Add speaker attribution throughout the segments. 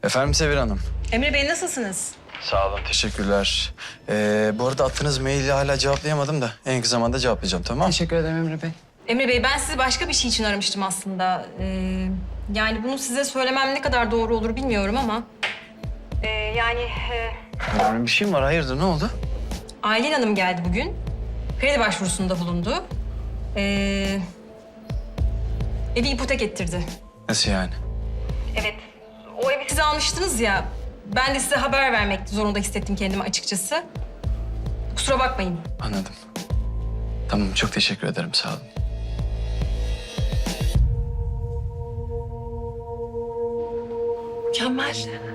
Speaker 1: Efendim Sevil Hanım.
Speaker 2: Emre Bey nasılsınız?
Speaker 1: Sağ olun, teşekkürler. Bu arada attığınız maili hala cevaplayamadım da en kısa zamanda cevaplayacağım, tamam mı?
Speaker 3: Teşekkür ederim Emre Bey.
Speaker 2: Emre Bey ben sizi başka bir şey için aramıştım aslında. Yani bunu size söylemem ne kadar doğru olur bilmiyorum ama...
Speaker 1: Önemli bir şey mi var? Hayırdır, ne oldu?
Speaker 2: Aylin Hanım geldi bugün. Kredi başvurusunda bulundu. Evi ipotek ettirdi.
Speaker 1: Nasıl yani?
Speaker 2: Evet. O evi siz almıştınız ya. Ben de size haber vermek zorunda hissettim kendimi açıkçası. Kusura bakmayın.
Speaker 1: Anladım. Tamam, çok teşekkür ederim, sağ olun.
Speaker 3: Mükemmel.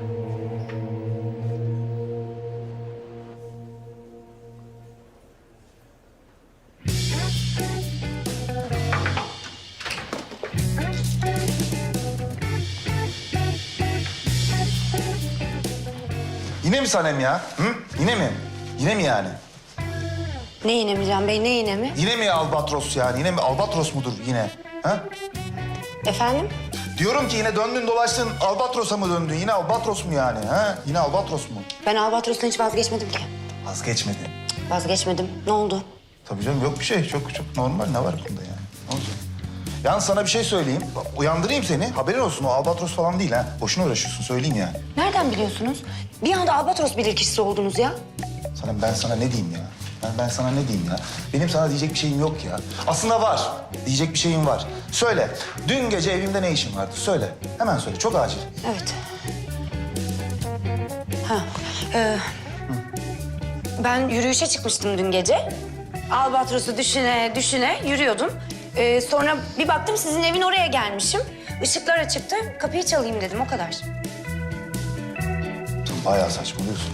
Speaker 4: Yine mi Sanem ya? Hı? Yine mi? Yine mi yani?
Speaker 5: Ne yine mi Can Bey, ne yine mi?
Speaker 4: Yine mi albatros yani? Yine mi albatros mudur yine? Ha?
Speaker 5: Efendim?
Speaker 4: Diyorum ki yine döndün dolaştın albatrosa mı döndün? Yine albatros mu yani? Ha? Yine albatros mu?
Speaker 5: Ben Albatros'tan hiç vazgeçmedim ki.
Speaker 4: Vazgeçmedin.
Speaker 5: Vazgeçmedim. Ne oldu?
Speaker 4: Tabii canım yok bir şey. Çok normal. Ne var bunda yani? Ne olacak? Yalnız sana bir şey söyleyeyim. Uyandırayım seni. Haberin olsun o albatros falan değil ha. Boşuna uğraşıyorsun söyleyeyim yani.
Speaker 5: Nereden biliyorsunuz? Bir anda Albatros bilirkişisi oldunuz ya.
Speaker 4: Sanem ben sana ne diyeyim ya? Ben sana ne diyeyim ya? Benim sana diyecek bir şeyim yok ya. Aslında var. Diyecek bir şeyim var. Söyle. Dün gece evimde ne işin vardı? Söyle. Hemen söyle. Çok acil.
Speaker 5: Evet. Ha, ben yürüyüşe çıkmıştım dün gece. Albatros'u düşüne yürüyordum. Sonra bir baktım sizin evin oraya gelmişim. Işıklar açıktı. Kapıyı çalayım dedim, o kadar.
Speaker 4: Sen bayağı saçmalıyorsun.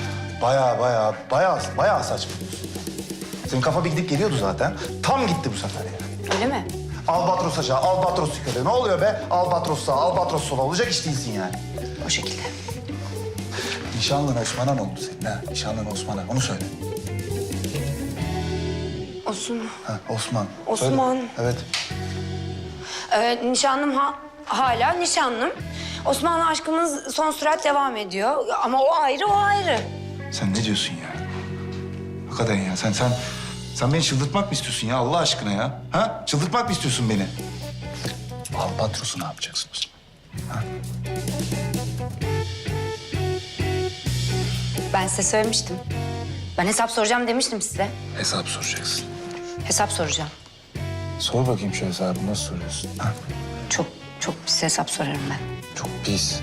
Speaker 4: Bayağı saçmalıyorsun. Senin kafa bir gidip geliyordu zaten. Tam gitti bu sefer ya.
Speaker 5: Öyle mi?
Speaker 4: Albatros aşağı, albatros yukarı. Ne oluyor be? Albatros sağa, albatros sola. Olacak iş değilsin yani.
Speaker 5: O şekilde.
Speaker 4: Nişanlın Osman'a ne oldu senin ha? Nişanlın Osman'a. Onu söyle.
Speaker 5: Olsun.
Speaker 4: Ha, Osman.
Speaker 5: Osman.
Speaker 4: Söyle. Evet.
Speaker 5: Nişanlım hala nişanlım. Osman'la aşkımız son sürat devam ediyor. Ama o ayrı.
Speaker 4: Sen ne diyorsun ya? Hakikaten ya sen beni çıldırtmak mı istiyorsun ya Allah aşkına ya? Ha? Çıldırtmak mı istiyorsun beni? Albatros'u ne yapacaksın Osman? Ha?
Speaker 5: Ben size söylemiştim. Ben hesap soracağım demiştim size.
Speaker 4: Hesap soracaksın.
Speaker 5: Hesap soracağım.
Speaker 4: Sor bakayım şu hesabı nasıl soruyorsun? Ha?
Speaker 5: Çok pis hesap sorarım ben.
Speaker 4: Çok pis.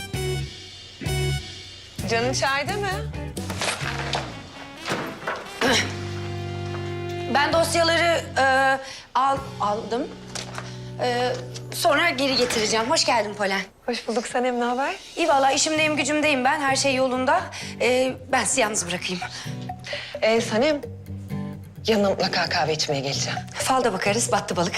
Speaker 3: Canın çayda mı?
Speaker 5: Ben dosyaları aldım. Sonra geri getireceğim. Hoş geldin Polen.
Speaker 3: Hoş bulduk Sanem, ne haber?
Speaker 5: İyi vallahi işimdeyim, gücümdeyim ben. Her şey yolunda. Ben sizi yalnız bırakayım.
Speaker 3: Sanem, yanına mutlaka kahve içmeye geleceğim.
Speaker 5: Falda bakarız, battı balık.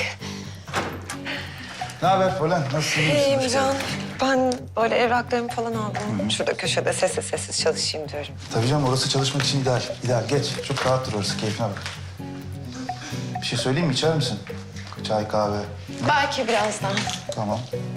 Speaker 4: Ne haber Polen? Nasılsın?
Speaker 3: İyiyim Can. Ben böyle evraklarımı falan aldım. Şurada köşede sessiz çalışayım diyorum.
Speaker 4: Tabii canım orası çalışmak için ideal. İdeal. Geç. Çok rahat dur orası. Keyfine bak. Bir şey söyleyeyim mi? İçer misin? Çay, kahve.
Speaker 3: Belki birazdan.
Speaker 4: Tamam.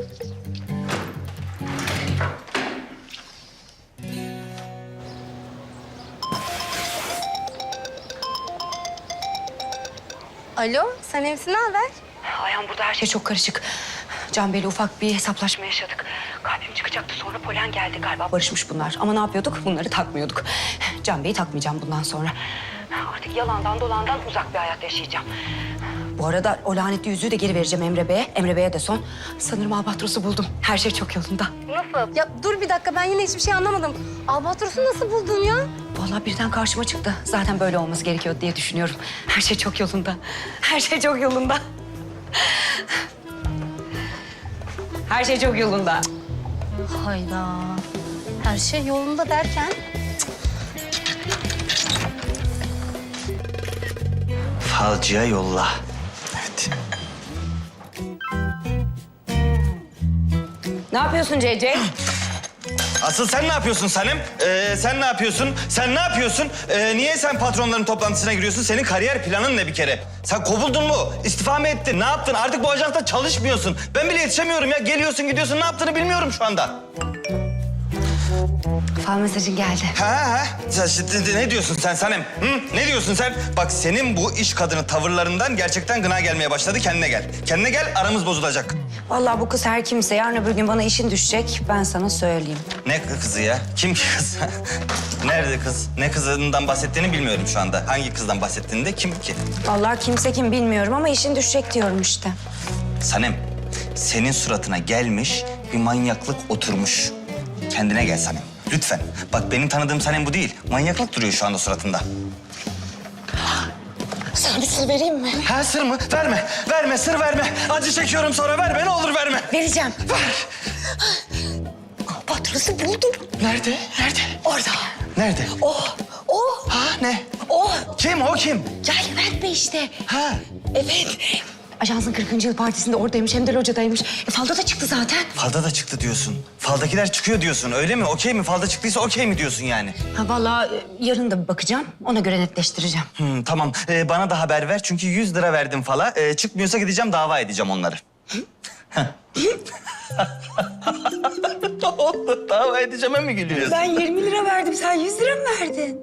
Speaker 5: Alo, sen evsin, ne haber? Ayhan burada her şey çok karışık. Can Bey'le ufak bir hesaplaşma yaşadık. Kalbim çıkacaktı, sonra Polen geldi galiba. Barışmış bunlar ama ne yapıyorduk? Bunları takmıyorduk. Can Bey'i takmayacağım bundan sonra. Artık yalandan dolandan uzak bir hayat yaşayacağım. Bu arada o lanetli yüzüğü de geri vereceğim Emre Bey'e. Emre Bey'e de son. Sanırım Albatros'u buldum. Her şey çok yolunda.
Speaker 6: Nasıl? Ya dur bir dakika, ben yine hiçbir şey anlamadım. Albatros'u nasıl buldun ya?
Speaker 5: Vallahi birden karşıma çıktı. Zaten böyle olması gerekiyor diye düşünüyorum. Her şey çok yolunda. Her şey çok yolunda. Her şey çok yolunda.
Speaker 6: Hayda. Her şey yolunda derken?
Speaker 1: Falcıya yolla. Evet.
Speaker 5: Ne yapıyorsun CC?
Speaker 7: Asıl sen ne yapıyorsun Sanem? Sen ne yapıyorsun? Sen ne yapıyorsun? Niye sen patronların toplantısına giriyorsun? Senin kariyer planın ne bir kere? Sen kovuldun mu? İstifa mı ettin? Ne yaptın? Artık bu ajansta çalışmıyorsun. Ben bile yetişemiyorum ya. Geliyorsun gidiyorsun. Ne yaptığını bilmiyorum şu anda.
Speaker 5: Fal mesajın geldi.
Speaker 7: Ha. Sen şimdi ne diyorsun sen Sanem? Hı? Ne diyorsun sen? Bak senin bu iş kadını tavırlarından gerçekten gına gelmeye başladı. Kendine gel. Kendine gel, aramız bozulacak.
Speaker 5: Vallahi bu kız her kimse yarın öbür gün bana işin düşecek. Ben sana söyleyeyim.
Speaker 7: Ne kızı ya? Kim ki kız? Nerede kız? Ne kızından bahsettiğini bilmiyorum şu anda. Hangi kızdan bahsettiğini de kim ki?
Speaker 5: Vallahi kimse kim bilmiyorum ama işin düşecek diyorum işte.
Speaker 7: Sanem, senin suratına gelmiş bir manyaklık oturmuş. Kendine gel Sanem. Lütfen. Bak benim tanıdığım Sanem bu değil. Manyaklık duruyor şu anda suratında.
Speaker 3: Sana bir sır vereyim mi?
Speaker 7: Ha sır mı? Verme. Verme, sır verme. Acı çekiyorum sonra verme. Ne olur verme.
Speaker 3: Vereceğim.
Speaker 7: Ver.
Speaker 3: Albatros'u buldum.
Speaker 7: Nerede? Nerede?
Speaker 3: Orada.
Speaker 7: Nerede?
Speaker 3: O.
Speaker 7: Ha ne?
Speaker 3: O.
Speaker 7: Kim o kim?
Speaker 3: Ya Levent Bey işte.
Speaker 7: Ha.
Speaker 3: Evet.
Speaker 5: Ajansın 40. yıl partisinde oradaymış hem de locadaymış. Falda da çıktı zaten.
Speaker 7: Falda da çıktı diyorsun. Faldakiler çıkıyor diyorsun öyle mi? Okey mi? Falda çıktıysa okey mi diyorsun yani?
Speaker 5: Ha vallahi yarın da bir bakacağım. Ona göre netleştireceğim.
Speaker 7: Tamam. Bana da haber ver çünkü 100 lira verdim fala. Çıkmıyorsa gideceğim dava edeceğim onları. Ne oldu? Dava edeceğime mi gülüyorsun?
Speaker 5: Ben 20 lira verdim. Sen 100 lira mı verdin?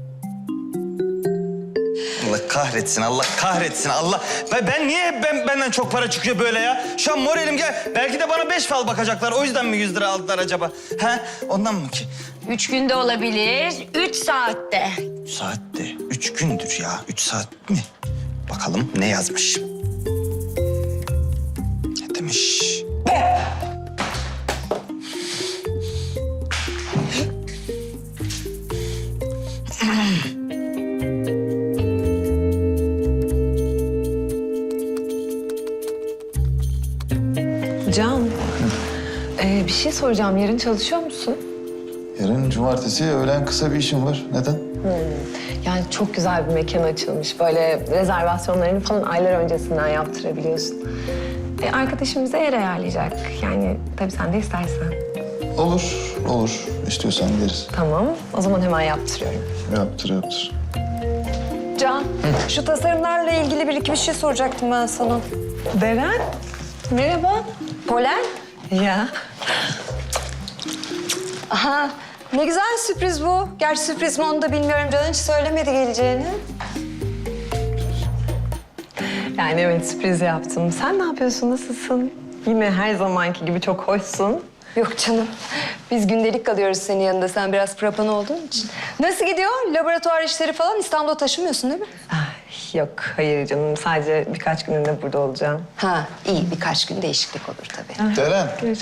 Speaker 7: Allah kahretsin, Allah kahretsin, Allah. Ben niye hep benden çok para çıkıyor böyle ya? Şu an moralim gel. Belki de bana 5 fal bakacaklar. O yüzden mi 100 lira aldılar acaba? Ha? Ondan mı ki?
Speaker 5: 3 günde olabilir. 3 saatte.
Speaker 7: 3 saatte. 3 gündür ya. 3 saat mi? Bakalım ne yazmış? Ne demiş?
Speaker 3: Can. Bir şey soracağım. Yarın çalışıyor musun?
Speaker 4: Yarın cumartesi öğlen kısa bir işim var. Neden?
Speaker 3: Yani çok güzel bir mekan açılmış. Böyle rezervasyonlarını falan aylar öncesinden yaptırabiliyorsun. Arkadaşım bize yer ayarlayacak. Yani tabii sen de istersen.
Speaker 4: Olur, olur. İstiyorsan gideriz.
Speaker 3: Tamam. O zaman hemen yaptırıyorum.
Speaker 4: Yaptır.
Speaker 3: Can, şu tasarımlarla ilgili bir iki bir şey soracaktım ben sana. Deren, merhaba.
Speaker 5: Polen?
Speaker 3: Ya.
Speaker 5: Aha, ne güzel sürpriz bu. Gerçi sürpriz mi onu da bilmiyorum. Can hiç söylemedi geleceğini.
Speaker 3: Yani evet sürpriz yaptım. Sen ne yapıyorsun, nasılsın? Yine her zamanki gibi çok hoşsun.
Speaker 5: Yok canım. Biz gündelik kalıyoruz senin yanında. Sen biraz prapan olduğun için. Nasıl gidiyor? Laboratuvar işleri falan İstanbul'a taşımıyorsun değil mi?
Speaker 3: Yok, hayır canım. Sadece birkaç gününde burada olacağım.
Speaker 5: Ha, iyi. Birkaç gün değişiklik olur tabii.
Speaker 4: Deren.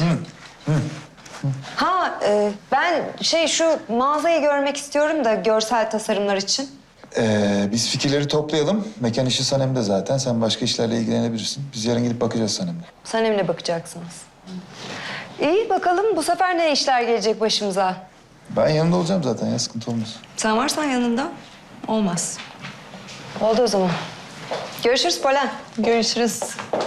Speaker 5: Ha, ben şu mağazayı görmek istiyorum da görsel tasarımlar için.
Speaker 4: Biz fikirleri toplayalım. Mekan işi Sanem'de zaten. Sen başka işlerle ilgilenebilirsin. Biz yarın gidip bakacağız Sanem'le.
Speaker 5: Sanem'le bakacaksınız. İyi bakalım bu sefer ne işler gelecek başımıza?
Speaker 4: Ben yanında olacağım zaten ya. Sıkıntı olmaz.
Speaker 5: Sen varsan yanında olmaz. Oldu o zaman. Görüşürüz Polen.
Speaker 3: Görüşürüz.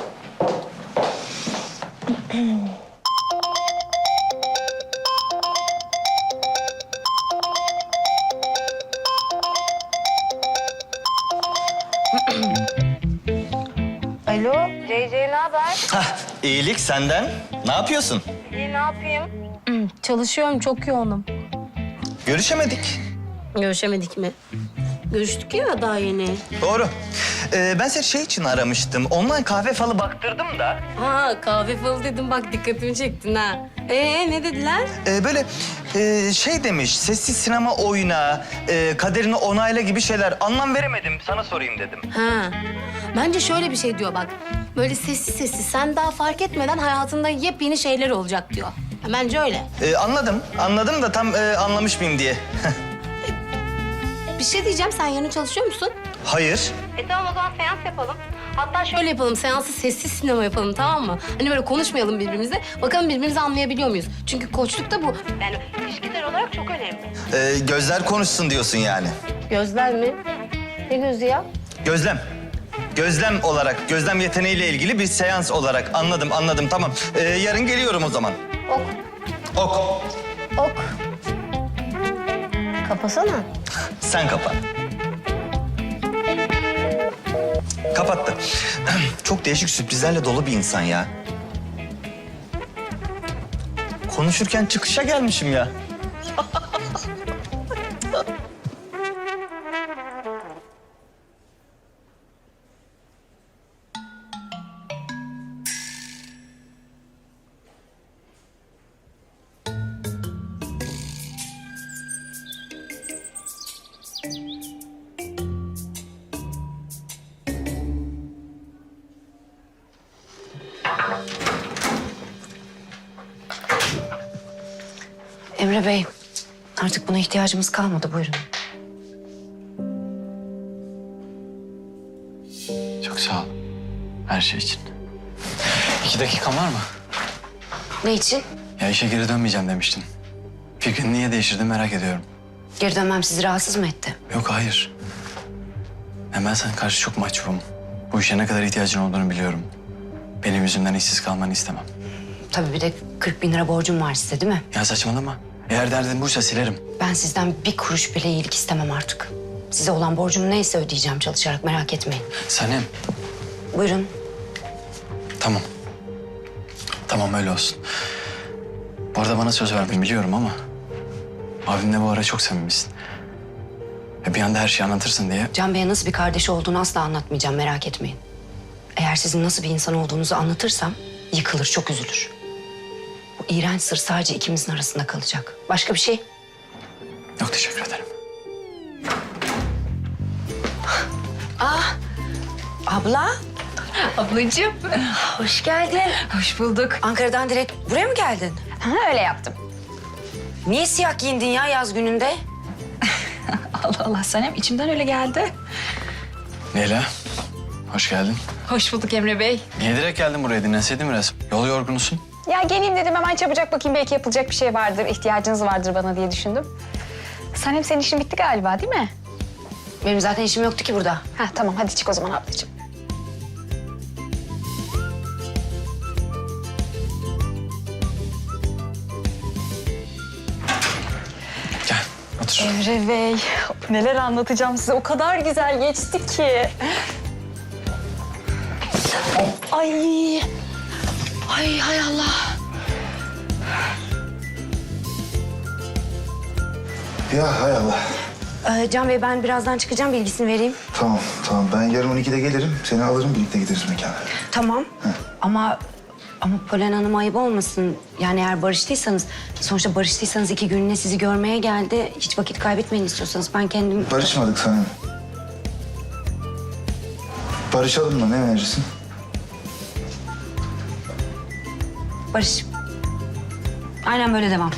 Speaker 6: Alo, CC ne haber?
Speaker 7: Hah, iyilik senden. Ne yapıyorsun?
Speaker 6: İyi, ne yapayım? Çalışıyorum, çok yoğunum.
Speaker 7: Görüşemedik.
Speaker 6: Görüşemedik mi? Görüştük ya daha yeni.
Speaker 7: Doğru. Ben seni şey için aramıştım. Online kahve falı baktırdım da.
Speaker 6: Ha, kahve falı dedim bak dikkatimi çektin ha. Ne dediler?
Speaker 7: Böyle şey demiş, sessiz sinema oyna, kaderini onayla gibi şeyler. Anlam veremedim, sana sorayım dedim.
Speaker 6: Ha, bence şöyle bir şey diyor bak. Böyle sessiz sessiz sen daha fark etmeden hayatında yepyeni şeyler olacak diyor. Bence öyle.
Speaker 7: Anladım da tam anlamış mıyım diye.
Speaker 6: Bir şey diyeceğim, sen yarın çalışıyor musun?
Speaker 7: Hayır.
Speaker 6: Tamam o zaman seans yapalım. Hatta şöyle yapalım, seansı sessiz sinema yapalım tamam mı? Hani böyle konuşmayalım birbirimizle. Bakalım birbirimizi anlayabiliyor muyuz? Çünkü koçlukta bu. Yani ilişkiler olarak çok önemli.
Speaker 7: Gözler konuşsun diyorsun yani.
Speaker 6: Gözler mi? Ne gözü ya?
Speaker 7: Gözlem. Gözlem olarak, gözlem yeteneğiyle ilgili bir seans olarak. Anladım, tamam. Yarın geliyorum o zaman.
Speaker 6: Ok.
Speaker 7: Ok.
Speaker 6: Ok. Kapasana.
Speaker 7: Sen kapat. Kapattı. Çok değişik sürprizlerle dolu bir insan ya. Konuşurken çıkışa gelmişim ya.
Speaker 5: Emre Bey, artık buna ihtiyacımız kalmadı. Buyurun.
Speaker 1: Çok sağ ol. Her şey için. 2 dakikan var mı?
Speaker 5: Ne için?
Speaker 1: Ya işe geri dönmeyeceğim demiştin. Fikrini niye değiştirdin merak ediyorum.
Speaker 5: Geri dönmem sizi rahatsız mı etti?
Speaker 1: Yok hayır. Ben sana karşı çok mahcubum. Bu işe ne kadar ihtiyacın olduğunu biliyorum. Benim yüzümden işsiz kalmanı istemem.
Speaker 5: Tabii bir de 40 bin lira borcum var size değil mi?
Speaker 1: Ya saçmalama. Eğer derdin buysa silerim.
Speaker 5: Ben sizden bir kuruş bile iyilik istemem artık. Size olan borcum neyse ödeyeceğim çalışarak, merak etmeyin.
Speaker 1: Sanem.
Speaker 5: Buyurun.
Speaker 1: Tamam. Tamam öyle olsun. Bu arada bana söz verdin biliyorum ama... abimle bu ara çok samimisin. Ve bir anda her şeyi anlatırsın diye...
Speaker 5: Can Bey'e nasıl bir kardeşi olduğunu asla anlatmayacağım, merak etmeyin. Eğer sizin nasıl bir insan olduğunuzu anlatırsam yıkılır, çok üzülür. Bu iğrenç sır sadece ikimizin arasında kalacak. Başka bir şey?
Speaker 1: Yok teşekkür ederim.
Speaker 5: Abla,
Speaker 2: Ablacığım.
Speaker 5: hoş geldin.
Speaker 2: Hoş bulduk.
Speaker 5: Ankara'dan direkt buraya mı geldin?
Speaker 2: Ha, öyle yaptım.
Speaker 5: Niye siyah giyindin ya yaz gününde?
Speaker 2: Allah Allah Sanem içimden öyle geldi.
Speaker 1: Leyla. Hoş geldin.
Speaker 2: Hoş bulduk Emre Bey.
Speaker 1: Niye direkt geldin buraya? Dinlenseydin biraz. Yol yorgunusun.
Speaker 8: Ya geleyim dedim hemen çabucak bakayım belki yapılacak bir şey vardır, ihtiyacınız vardır bana diye düşündüm. Sanem senin işin bitti galiba değil mi?
Speaker 5: Benim zaten işim yoktu ki burada.
Speaker 8: Heh tamam hadi çık o zaman ablacığım.
Speaker 1: Gel otur.
Speaker 8: Emre Bey neler anlatacağım size o kadar güzel geçti ki. Ay.
Speaker 5: Ay hay Allah.
Speaker 4: Ya hay Allah.
Speaker 5: Can Bey ben birazdan çıkacağım, bilgisini vereyim.
Speaker 4: Tamam tamam ben yarın 12'de gelirim. Seni alırım birlikte gideriz mekana.
Speaker 5: Tamam. Ama Polen Hanım ayıp olmasın. Yani eğer barıştıysanız, sonuçta barıştıysanız 2 günlüğüne sizi görmeye geldi. Hiç vakit kaybetmeyin istiyorsanız. Ben kendim...
Speaker 4: Barışmadık sana. Barışalım mı? Ne verirsin?
Speaker 5: Barış. Aynen böyle devam.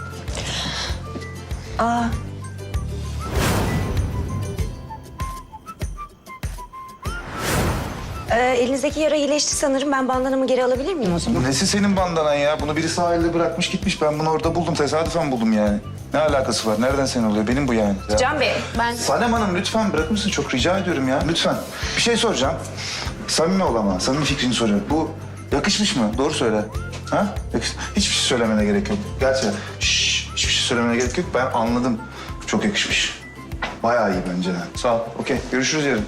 Speaker 5: Elinizdeki yara iyileşti sanırım. Ben bandanamı geri alabilir miyim o zaman?
Speaker 4: Nesi senin bandanan ya? Bunu biri sahilde bırakmış gitmiş. Ben bunu orada buldum. Tesadüfen buldum yani. Ne alakası var? Nereden senin oluyor? Benim bu yani. Ya.
Speaker 5: Can Bey, ben...
Speaker 4: Sanem Hanım lütfen bırakır mısın? Çok rica ediyorum ya. Lütfen. Bir şey soracağım. Samimi ol ama. Samimi fikrini soruyorum. Bu yakışmış mı? Doğru söyle. Ha? Hiçbir şey söylemene gerek yok. Gerçekten. Hiçbir şey söylemene gerek yok. Ben anladım. Çok yakışmış. Bayağı iyi bence. Sağ ol. Okey. Görüşürüz yarın.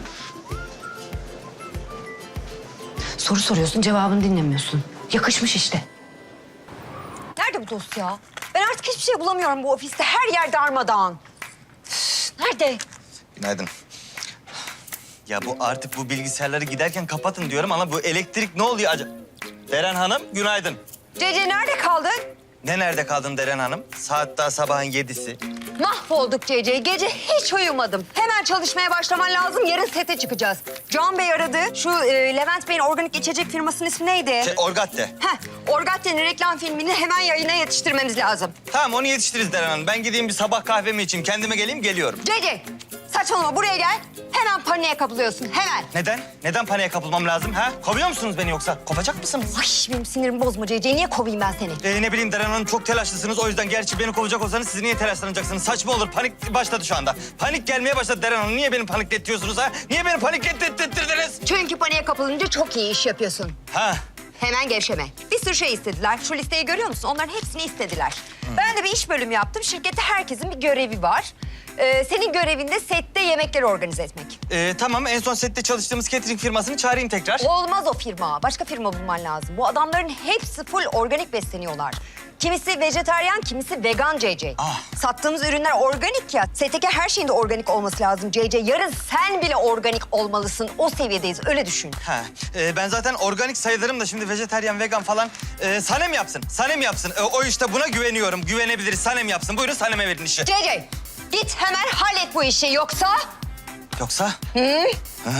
Speaker 5: Soru soruyorsun, cevabını dinlemiyorsun. Yakışmış işte.
Speaker 9: Nerede bu dosya? Ben artık hiçbir şey bulamıyorum bu ofiste. Her yer darmadağın. Üf, nerede?
Speaker 7: Günaydın. Ya bu artık bu bilgisayarları giderken kapatın diyorum ama bu elektrik ne oluyor acaba? Deren Hanım günaydın.
Speaker 9: Cece nerede kaldın?
Speaker 7: Ne nerede kaldın Deren Hanım? Saat daha sabahın 7'si.
Speaker 9: Mahvolduk Cece. Gece hiç uyumadım. Hemen çalışmaya başlaman lazım. Yarın sete çıkacağız. Can Bey aradı. Şu Levent Bey'in organik içecek firmasının ismi neydi?
Speaker 7: Orgatte.
Speaker 9: Heh, Orgatte'nin reklam filmini hemen yayına yetiştirmemiz lazım.
Speaker 7: Tamam onu yetiştiririz Deren Hanım. Ben gideyim bir sabah kahvemi içeyim. Kendime geleyim geliyorum.
Speaker 9: Cece saçmalama buraya gel. Hemen paniğe kapılıyorsun hemen.
Speaker 7: Neden? Neden paniğe kapılmam lazım ha? Kovuyor musunuz beni yoksa? Kovacak mısınız?
Speaker 9: Ay benim sinirimi bozma Cece. Niye kovayım ben seni?
Speaker 7: Ne bileyim Deren Hanım çok telaşlısınız. O yüzden gerçi beni kovacak olsanız siz niye telaşlanacaksınız? Saçma olur. Panik başladı şu anda. Panik gelmeye başladı Deren Hanım. Niye beni panikletiyorsunuz ha? Niye beni paniklettirdiniz?
Speaker 9: Çünkü paniğe kapılınca çok iyi iş yapıyorsun.
Speaker 7: Ha?
Speaker 9: Hemen gevşeme. Bir sürü şey istediler. Şu listeyi görüyor musun? Onların hepsini istediler. Ben de bir iş bölümü yaptım. Şirkette herkesin bir görevi var. Senin görevin de sette yemekleri organize etmek.
Speaker 7: Tamam en son sette çalıştığımız catering firmasını çağırayım tekrar.
Speaker 9: Olmaz o firma. Başka firma bulman lazım. Bu adamların hepsi full organik besleniyorlar. Kimisi vejetaryen, kimisi vegan CC.
Speaker 7: Ah.
Speaker 9: Sattığımız ürünler organik ya. STK her şeyin de organik olması lazım CC. Yarın sen bile organik olmalısın. O seviyedeyiz, öyle düşün.
Speaker 7: Ha, ben zaten organik sayılırım da şimdi vejetaryen, vegan falan. Sanem yapsın, Sanem yapsın. O işte buna güveniyorum, güvenebiliriz. Sanem yapsın. Buyurun Sanem'e verin işi.
Speaker 9: CC, git hemen hallet bu işi yoksa...
Speaker 7: Yoksa? Ha?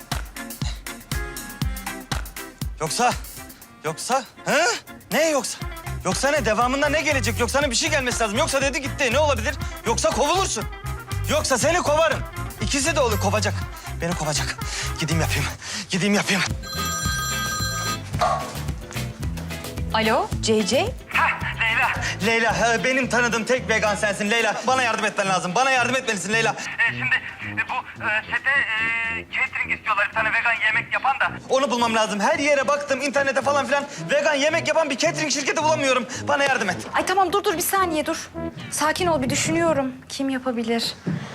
Speaker 7: Yoksa? Ha? Ne yoksa? Yoksa ne? Devamında ne gelecek? Yoksa ne bir şey gelmesi lazım. Yoksa dedi gitti. Ne olabilir? Yoksa kovulursun. Yoksa seni kovarım. İkisi de olur kovacak. Beni kovacak. Gideyim yapayım.
Speaker 5: Alo CC?
Speaker 7: Leyla, benim tanıdığım tek vegan sensin Leyla. Bana yardım etmen lazım. Bana yardım etmelisin Leyla.
Speaker 10: Şimdi bu sete catering istiyorlar bir tane vegan yemek yapan da.
Speaker 7: Onu bulmam lazım. Her yere baktım, internete falan filan. Vegan yemek yapan bir catering şirketi bulamıyorum. Bana yardım et.
Speaker 5: Ay tamam dur bir saniye dur. Sakin ol bir düşünüyorum. Kim yapabilir?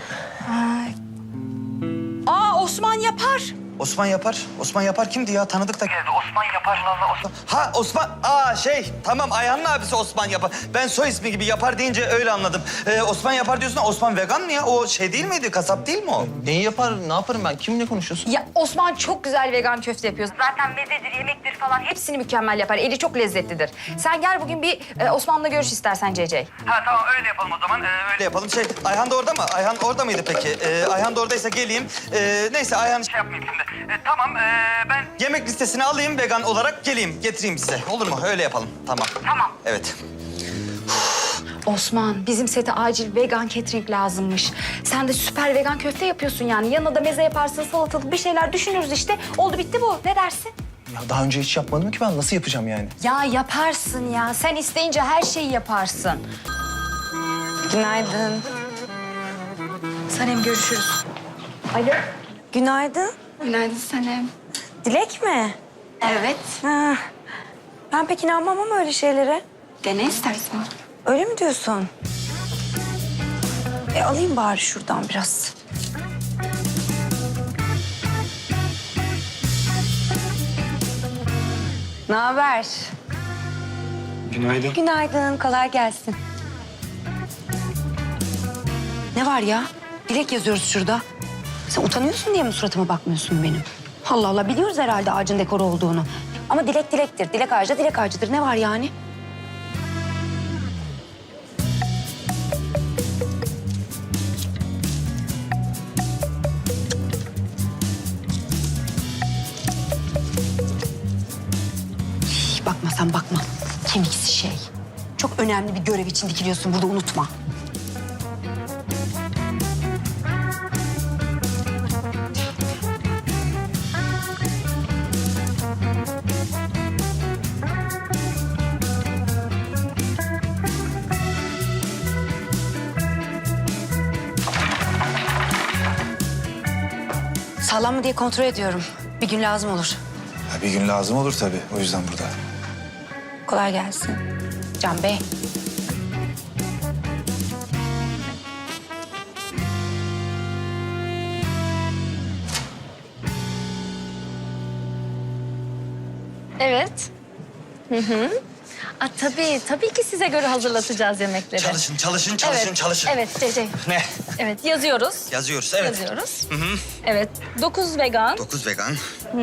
Speaker 5: Osman yapar.
Speaker 7: Osman yapar kimdi ya? Tanıdık da.
Speaker 10: Osman yapar valla Osman.
Speaker 7: Ha Osman. Tamam Ayhan'ın abisi Osman yapar. Ben soy ismi gibi yapar deyince öyle anladım. Osman yapar diyorsun da Osman vegan mı ya? O şey değil miydi? Kasap değil mi o?
Speaker 1: Neyi yapar, ne yaparım ben? Kimle konuşuyorsun?
Speaker 5: Ya Osman çok güzel vegan köfte yapıyor. Zaten mezedir, yemektir falan hepsini mükemmel yapar. Eli çok lezzetlidir. Sen gel bugün bir Osman'la görüş istersen CC.
Speaker 10: Ha tamam öyle yapalım o zaman.
Speaker 7: Öyle yapalım. Ayhan da orada mı? Ayhan orada mıydı peki? Ayhan da oradaysa geleyim. Neyse Ayhan
Speaker 10: Şey yapmayayım şimdi. Tamam ben...
Speaker 7: yemek listesini alayım vegan olarak geleyim. Getireyim size. Olur mu? Öyle yapalım. Tamam.
Speaker 10: Tamam.
Speaker 7: Evet.
Speaker 5: Osman bizim sete acil vegan catering lazımmış. Sen de süper vegan köfte yapıyorsun yani. Yanına da meze yaparsın, salatalık bir şeyler düşünürüz işte. Oldu bitti bu. Ne dersin?
Speaker 1: Ya daha önce hiç yapmadım ki ben. Nasıl yapacağım yani?
Speaker 5: Ya yaparsın ya. Sen isteyince her şeyi yaparsın.
Speaker 3: Günaydın.
Speaker 5: Sanem görüşürüz.
Speaker 3: Günaydın.
Speaker 5: Günaydın Sanem.
Speaker 3: Dilek mi?
Speaker 5: Evet.
Speaker 3: Ha. Ben pek inanmam ama öyle şeylere.
Speaker 5: Dene istersen.
Speaker 3: Öyle mi diyorsun? Alayım bari şuradan biraz. Ne haber?
Speaker 1: Günaydın.
Speaker 3: Günaydın, kolay gelsin.
Speaker 5: Ne var ya? Dilek yazıyoruz şurada. Sen utanıyorsun diye mi suratıma bakmıyorsun benim? Allah Allah biliyoruz herhalde ağacın dekoru olduğunu. Ama dilek dilektir. Dilek ağacı da dilek ağacıdır. Ne var yani? Bakma sen bakma. Kemiksiz şey. Çok önemli bir görev için dikiliyorsun burada unutma. Sağlam mı diye kontrol ediyorum. Bir gün lazım olur.
Speaker 4: Ya bir gün lazım olur tabii. O yüzden burada.
Speaker 5: Kolay gelsin. Can Bey.
Speaker 8: Evet. Tabii ki size göre hazırlatacağız yemekleri.
Speaker 7: Çalışın.
Speaker 8: Evet CC.
Speaker 7: Ne?
Speaker 8: Evet yazıyoruz.
Speaker 7: Yazıyoruz, evet.
Speaker 8: Yazıyoruz. Evet 9 vegan,
Speaker 7: 9 vegan,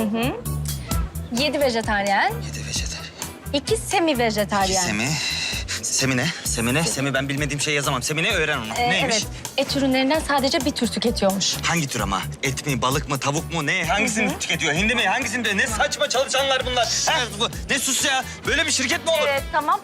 Speaker 8: 7 vejetaryen,
Speaker 7: 7 vejetaryen,
Speaker 8: 2 semi vejetaryen.
Speaker 7: Semi ne? Semi ben bilmediğim şey yazamam. Semi ne? Öğren onu. Neymiş?
Speaker 8: Evet. Et ürünlerinden sadece bir tür tüketiyormuş.
Speaker 7: Hangi tür ama? Et mi, balık mı, tavuk mu? Ne? Hangisini tüketiyor? Hindi mi? Hangisini de? Ne saçma çalışanlar bunlar. Ne sus ya? Böyle bir şirket mi olur?
Speaker 8: Tamam.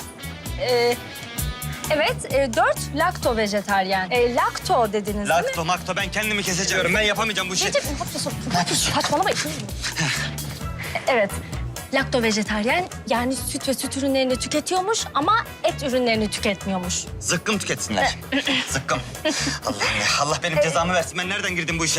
Speaker 8: Evet 4 lakto vejetaryen. Lakto dediniz değil mi?
Speaker 7: Lakto, makto ben kendimi keseceğim. Ben yapamayacağım bu işi.
Speaker 8: Cece, ne yapıyorsun? Ne yapıyorsun? Saçmalama. Evet. Lakto vejetaryen yani süt ve süt ürünlerini tüketiyormuş ama et ürünlerini tüketmiyormuş.
Speaker 7: Zıkkım tüketsinler. Zıkkım. Allah benim cezamı versin. Ben nereden girdim bu işe?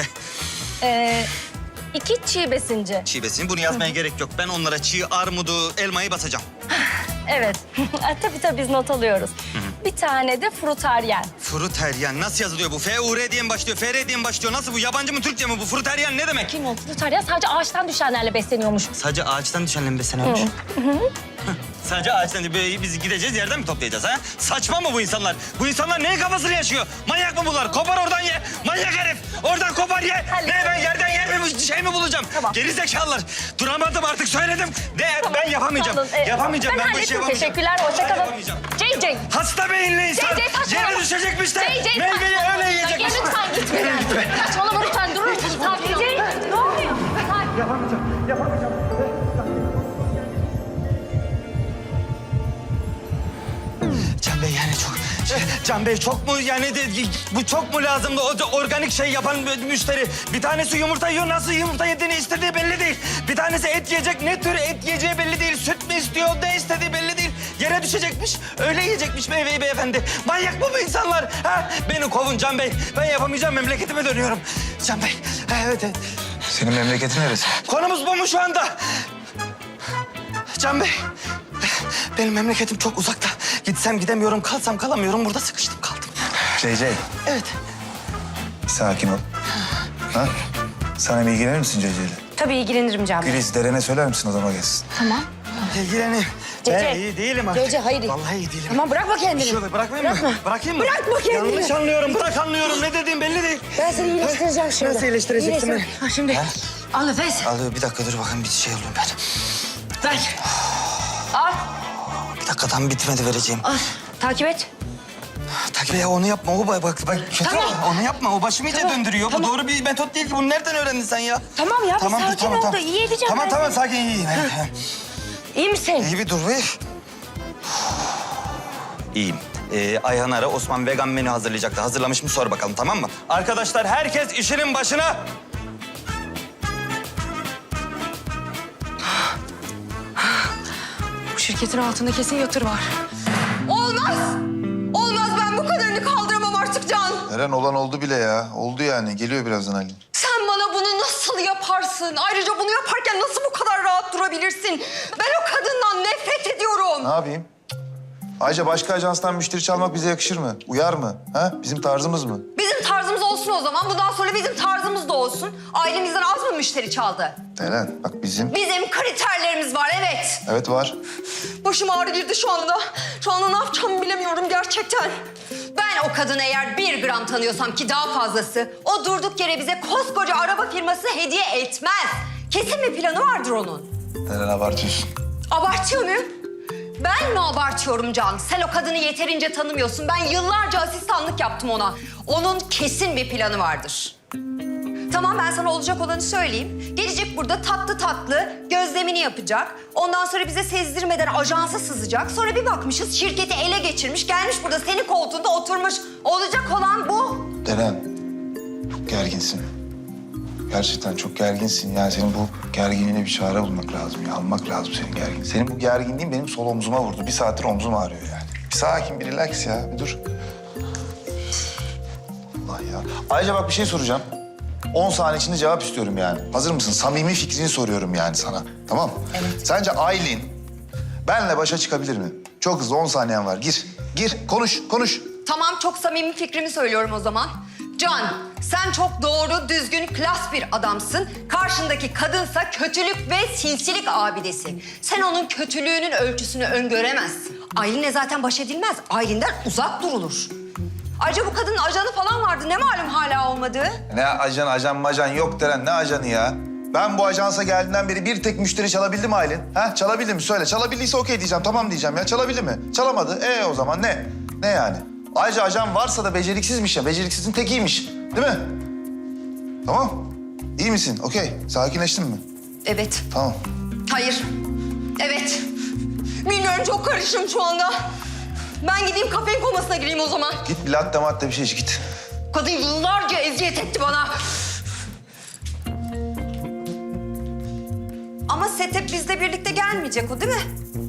Speaker 8: 2 çiğ besinci.
Speaker 7: Çiğ besin. Bunu yazmaya gerek yok. Ben onlara çiğ armudu, elmayı basacağım.
Speaker 8: Evet. Tabii biz not alıyoruz. Bir tane de frutaryen.
Speaker 7: Fruteryan nasıl yazılıyor bu? F-U-R diye mi başlıyor? F-R diye mi başlıyor? Nasıl bu? Yabancı mı, Türkçe mi bu? Fruteryan ne demek?
Speaker 8: Kim o frutaryen? Sadece ağaçtan düşenlerle besleniyormuş.
Speaker 7: Sadece ağaçtan düşenle mi besleniyormuş? Sadece ağaçtan böyle biz gideceğiz yerden mi toplayacağız ha? Saçma mı bu insanlar? Bu insanlar neyin kafasını yaşıyor? Manyak mı bunlar? Kopar oradan ye. Manyak herif. Oradan kopar ye. Ne ben yerden yer mi şey mi bulacağım?
Speaker 8: Tamam.
Speaker 7: Geri zekalılar. Duramadım artık söyledim. Ben yapamayacağım.
Speaker 8: Sağ olun.
Speaker 7: Yapamayacağım.
Speaker 8: Ben
Speaker 7: Ben bu işi
Speaker 8: hallettim.
Speaker 7: yapamayacağım.
Speaker 8: Teşekkürler. Hoşça
Speaker 7: Ben
Speaker 8: kalın.
Speaker 7: yapamayacağım.
Speaker 8: JJ.
Speaker 7: Hasta beyinli insan.
Speaker 8: JJ saçmalama.
Speaker 7: Yere düşecekmiş de.
Speaker 8: JJ
Speaker 7: Meyveyi
Speaker 8: saçmalama.
Speaker 7: öyle yiyecekmiş.
Speaker 8: Lütfen gitme. Saçmalama lütfen. Durur musun? Sakin ol. Ne oluyor? Sakin.
Speaker 7: Can Bey yani çok... Can Bey çok mu yani bu çok mu lazımdı? O organik şey yapan müşteri. Bir tanesi yumurta yiyor. Nasıl yumurta yediğini istediği belli değil. Bir tanesi et yiyecek. Ne tür et yiyeceği belli değil. Süt mü istiyor? Ne istediği belli değil. Yere düşecekmiş. Öyle yiyecekmiş meyveyi beyefendi. Manyak mı bu insanlar? Ha? Beni kovun Can Bey. Ben yapamayacağım. Memleketime dönüyorum. Can Bey. Evet.
Speaker 4: Senin memleketin neresi?
Speaker 7: Konumuz bu mu şu anda? Can Bey. Benim memleketim çok uzakta. Gitsem gidemiyorum, kalsam kalamıyorum. Burada sıkıştım kaldım.
Speaker 4: CC,
Speaker 7: Evet.
Speaker 4: sakin ol. Ha? Sen bir ilgilenir misin CC ile?
Speaker 5: Tabii ilgilenirim Can Bey.
Speaker 4: Güliz, Deren'e söyler misin odama gelsin?
Speaker 7: İlgileneyim.
Speaker 5: Cece.
Speaker 7: Ben iyi değilim artık.
Speaker 5: Cece, hayır.
Speaker 7: Vallahi iyi değilim.
Speaker 5: Tamam bırakma kendini.
Speaker 7: Şöyle bırakmayayım mı? Bırakayım mı?
Speaker 5: Bırakma kendini.
Speaker 7: Yanlış anlıyorum. Bırak anlıyorum. Ne dediğim belli değil.
Speaker 5: Ben seni iyileştireceğim şimdi.
Speaker 7: Nasıl iyileştireceksin beni?
Speaker 5: Ha, şimdi al nefes.
Speaker 7: Al bir dakika dur bakayım bir şey oluyorum ben.
Speaker 5: Ver. Al.
Speaker 7: Bir dakika tam bitmedi vereceğim.
Speaker 5: Al. Takip et.
Speaker 7: Takviye onu yapma. O bak kötü.
Speaker 5: Tamam.
Speaker 7: Onu yapma. O başımı iyice döndürüyor.
Speaker 5: Tamam.
Speaker 7: Bu doğru bir metot değil ki. Bunu nereden öğrendin sen ya?
Speaker 5: Tamam ya bir sakin ol da iyi edeceğim ben
Speaker 7: Tamam
Speaker 5: seni.
Speaker 7: sakin iyiyim.
Speaker 5: İyi misin?
Speaker 7: İyi bir dur bir. İyiyim. Ayhan ara Osman vegan menü hazırlayacaktı. Hazırlamış mı sor bakalım tamam mı? Arkadaşlar herkes işinin başına.
Speaker 5: Bu şirketin altında kesin yatır var.
Speaker 9: Olmaz. Olmaz, ben bu kadarını kaldıramam artık Can.
Speaker 4: Deren olan oldu bile ya. Oldu yani. Geliyor birazdan Ali.
Speaker 9: Sen bana bunu nasıl yaparsın? Ayrıca bunu yaparken nasıl bu kadar rahat durabilirsin? Ben o kadından nefret ediyorum.
Speaker 4: Ne yapayım? Ayrıca başka ajanstan müşteri çalmak bize yakışır mı? Uyar mı? Ha? Bizim tarzımız mı?
Speaker 9: Bizim tarzımız olsun o zaman. Bundan sonra bizim tarzımız da olsun. Ailemizden az mı müşteri çaldı?
Speaker 4: Deren bak bizim...
Speaker 9: Bizim kriterlerimiz var, evet.
Speaker 4: Evet var.
Speaker 9: Başım ağrı girdi şu anda. Şu anda ne yapacağımı bilemiyorum gerçekten. Ben o kadını eğer 1 gram tanıyorsam ki daha fazlası... ...o durduk yere bize koskoca araba firması hediye etmez. Kesin bir planı vardır onun.
Speaker 4: Deren abartıyorsun.
Speaker 9: Abartıyor muyum? Ben mi abartıyorum Can? Sen o kadını yeterince tanımıyorsun. Ben yıllarca asistanlık yaptım ona. Onun kesin bir planı vardır. Tamam, ben sana olacak olanı söyleyeyim. Gelecek burada tatlı tatlı gözlemini yapacak. Ondan sonra bize sezdirmeden ajansa sızacak. Sonra bir bakmışız şirketi ele geçirmiş. Gelmiş burada senin koltuğunda oturmuş. Olacak olan bu.
Speaker 4: Deren, çok gerginsin. Gerçekten çok gerginsin. Yani senin bu gerginliğine bir çare bulmak lazım. Ya. Almak lazım senin gergin. Senin bu gerginliğin benim sol omzuma vurdu. Bir saattir omzum ağrıyor yani. Bir sakin, bir relax ya. Bir dur. Allah ya. Ayrıca bak bir şey soracağım. 10 saniye içinde cevap istiyorum yani. Hazır mısın? Samimi fikrini soruyorum yani sana. Tamam mı? Evet. Sence Aylin benle başa çıkabilir mi? Çok hızlı 10 saniyen var. Gir, konuş.
Speaker 9: Tamam, çok samimi fikrimi söylüyorum o zaman. Can, sen çok doğru, düzgün, klas bir adamsın. Karşındaki kadınsa kötülük ve sinsilik abidesi. Sen onun kötülüğünün ölçüsünü öngöremezsin. Aylin'le zaten baş edilmez. Aylin'den uzak durulur. Ayrıca bu kadının ajanı falan vardı. Ne malum hala olmadığı?
Speaker 4: Ne ajan majan yok Deren. Ne ajanı ya? Ben bu ajansa geldiğinden beri bir tek müşteri çalabildi mi Aylin? Ha? Çalabildi mi? Söyle. Çalabildiyse okey diyeceğim. Tamam diyeceğim ya. Çalabildi mi? Çalamadı. O zaman ne? Ne yani? Ayrıca ajan varsa da beceriksizmiş ya. Beceriksizin tekiymiş. Değil mi? Tamam. İyi misin? Okey. Sakinleştin mi?
Speaker 9: Evet.
Speaker 4: Tamam.
Speaker 9: Hayır. Evet. Bilmiyorum, çok karışım şu anda. Ben gideyim kafein komasına gireyim o zaman.
Speaker 4: Git bir latte matte bir şey iç git.
Speaker 9: Kadın yıllarca eziyet etti bana. Ama set hep bizle birlikte gelmeyecek o, değil mi?